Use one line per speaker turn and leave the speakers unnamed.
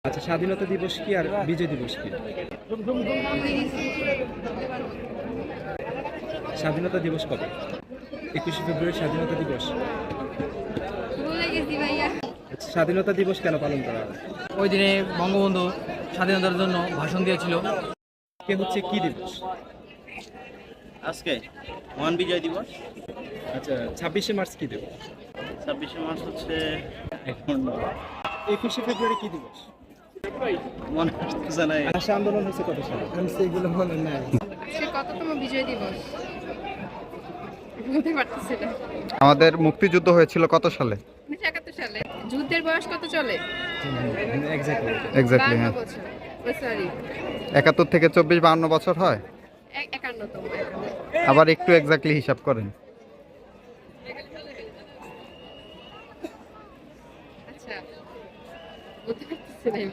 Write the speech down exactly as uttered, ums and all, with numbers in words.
আচ্ছা, স্বাধীনতা দিবস কি আর বিজয় দিবস কি? স্বাধীনতা দিবস কবে? একুশে ফেব্রুয়ারি স্বাধীনতা দিবস।
ভুলে গেছি ভাইয়া।
আচ্ছা, স্বাধীনতা দিবস কেন পালন করা হয়?
ওই দিনে বঙ্গবন্ধু স্বাধীনতার জন্য ভাষণ দিয়েছিল।
কে হচ্ছে কি দিবস?
আজকে মহান বিজয় দিবস।
আচ্ছা, ছাব্বিশে মার্চ কি দিবস?
ছাব্বিশে মার্চ হচ্ছে এখন
একুশে ফেব্রুয়ারি কি দিবস?
মনে হচ্ছে না।
ভাষা আন্দোলন হচ্ছে কত সালে? আমি সেগুলো মনে নাই।
আজকে কততম বিজয় দিবস? বলতে পারতেছি না।
আমাদের মুক্তিযুদ্ধ হয়েছিল কত সালে?
উনিশশো একাত্তর সালে। যুদ্ধের বয়স কত চলে?
এক্স্যাক্টলি।
এক্স্যাক্টলি,
বাহান্ন
হ্যাঁ।
বছর। ও সরি,
একাত্তর থেকে চব্বিশ বাহান্ন বছর হয়।
একান্নতম।
আবার একটু এক্স্যাক্টলি হিসাব করেন।
আচ্ছা, বলতে পারতেছি না।